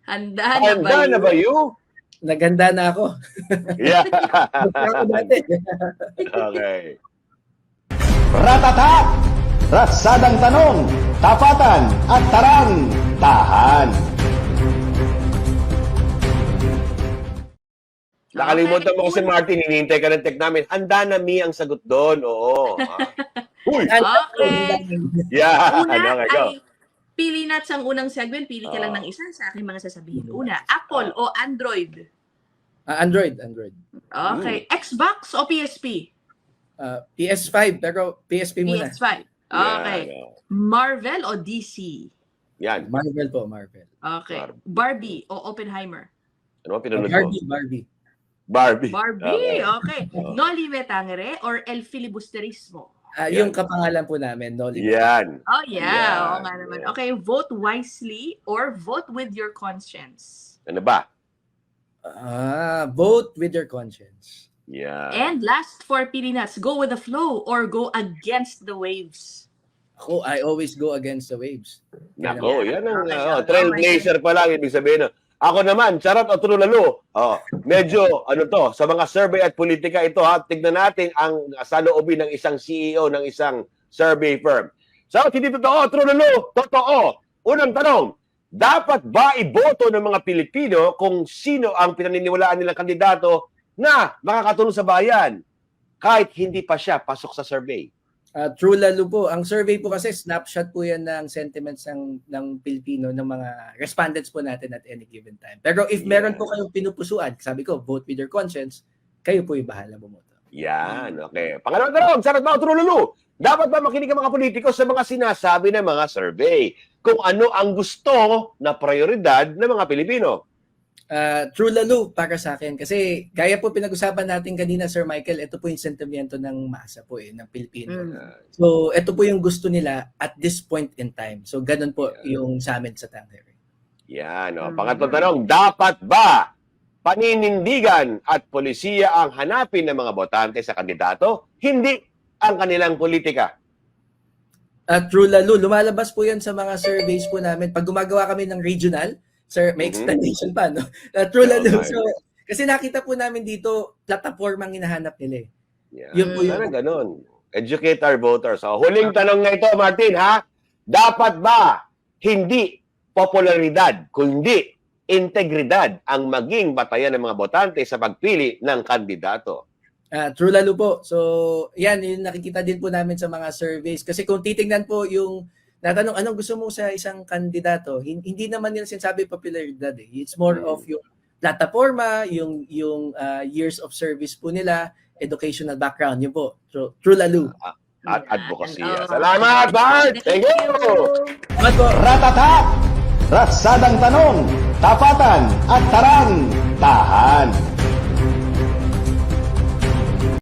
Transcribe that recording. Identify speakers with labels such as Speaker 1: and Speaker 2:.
Speaker 1: Handa na ba
Speaker 2: Handa na ba you?
Speaker 3: Naganda na ako.
Speaker 2: Yeah.
Speaker 3: Ako dati.
Speaker 2: Okay.
Speaker 4: Ratata! Ratsadang tanong, tapatan at tarang, tahan.
Speaker 2: Nakalimutan mo kasi Martin, hinihintay ka ng tech namin. Handa na mi ang sagot doon. Oo. Uy!
Speaker 1: Okay.
Speaker 2: Yeah.
Speaker 1: Una
Speaker 2: Ano kayo?
Speaker 1: ay pili na sa unang segment. Pili ka lang ng isa sa aking mga sasabihin. Una, Apple o Android?
Speaker 3: Android.
Speaker 1: Okay. Xbox o PSP?
Speaker 3: PS5, pero PSP muna.
Speaker 1: PS5. Okay.
Speaker 2: Yan.
Speaker 1: Marvel o DC?
Speaker 2: Yan.
Speaker 3: Marvel po, Marvel.
Speaker 1: Okay. Barbie o Oppenheimer?
Speaker 2: Ano ba pinunod mo?
Speaker 3: Barbie.
Speaker 2: Barbie.
Speaker 1: Barbie, okay.
Speaker 2: Oo.
Speaker 1: Noli Me Tangere or El Filibusterismo?
Speaker 3: Yung kapangalan po namin, Noli.
Speaker 2: Yan.
Speaker 1: Oh, yeah.
Speaker 2: Yeah.
Speaker 1: Oo nga naman. Okay, vote wisely or vote with your conscience?
Speaker 2: Ano ba?
Speaker 3: Vote with your conscience.
Speaker 2: Yan.
Speaker 1: And last for Pilinas, go with the flow or go against the waves?
Speaker 3: Ako, I always go against the waves.
Speaker 2: Nako, yan ang
Speaker 1: Okay.
Speaker 2: trailblazer pa lang ibig sabihin. Ako naman, charot o trulalo. Medyo sa mga survey at politika ito tignan natin ang saloobin ng isang CEO ng isang survey firm. So, hindi totoo, trulalo, totoo. Unang tanong, dapat ba iboto ng mga Pilipino kung sino ang pinaniniwalaan nilang kandidato na makakatulong sa bayan kahit hindi pa siya pasok sa survey?
Speaker 3: True lalo po. Ang survey po kasi, snapshot po yan ng sentiments ng Pilipino, ng mga respondents po natin at any given time. Pero if meron po kayong pinupusuan, sabi ko, vote with your conscience, kayo po yung bahala bumoto.
Speaker 2: Yan, okay. Pangalawang tanong, sarap ba o trululu? Dapat ba makinig ang mga politiko sa mga sinasabi ng mga survey kung ano ang gusto na prioridad ng mga Pilipino?
Speaker 3: True lalo para sa akin. Kasi gaya po pinag-usapan natin kanina, Sir Michael, ito po yung sentimento ng masa po ng Pilipino. So, ito po yung gusto nila at this point in time. So, ganun po yung sa amin sa Tangere.
Speaker 2: Yan, pangatlong tanong, dapat ba paninindigan at polisiya ang hanapin ng mga botante sa kandidato, hindi ang kanilang politika?
Speaker 3: True lalo, lumalabas po yan sa mga surveys po namin. Pag gumagawa kami ng regional, Sir, may explanation pa, no? True lalo. So, kasi nakita po namin dito, plataformang hinahanap nila.
Speaker 2: Yan.
Speaker 3: Yun po
Speaker 2: Sana ganun. Educate our voters. So, huling tanong na ito, Martin, ha? Dapat ba hindi popularidad, kundi integridad ang maging batayan ng mga botante sa pagpili ng kandidato?
Speaker 3: True lalo po. So, yan, yung nakikita din po namin sa mga surveys. Kasi kung titingnan po yung natanong, anong gusto mo sa isang kandidato, hindi naman nila sinasabi popularidad. It's more of yung plataforma, yung years of service po nila, educational background. Yun po. True lalo.
Speaker 2: At advocacy. Salamat, Bart! Thank you!
Speaker 4: Ratata! Ratsadang tanong, tapatan at tarang, tahan.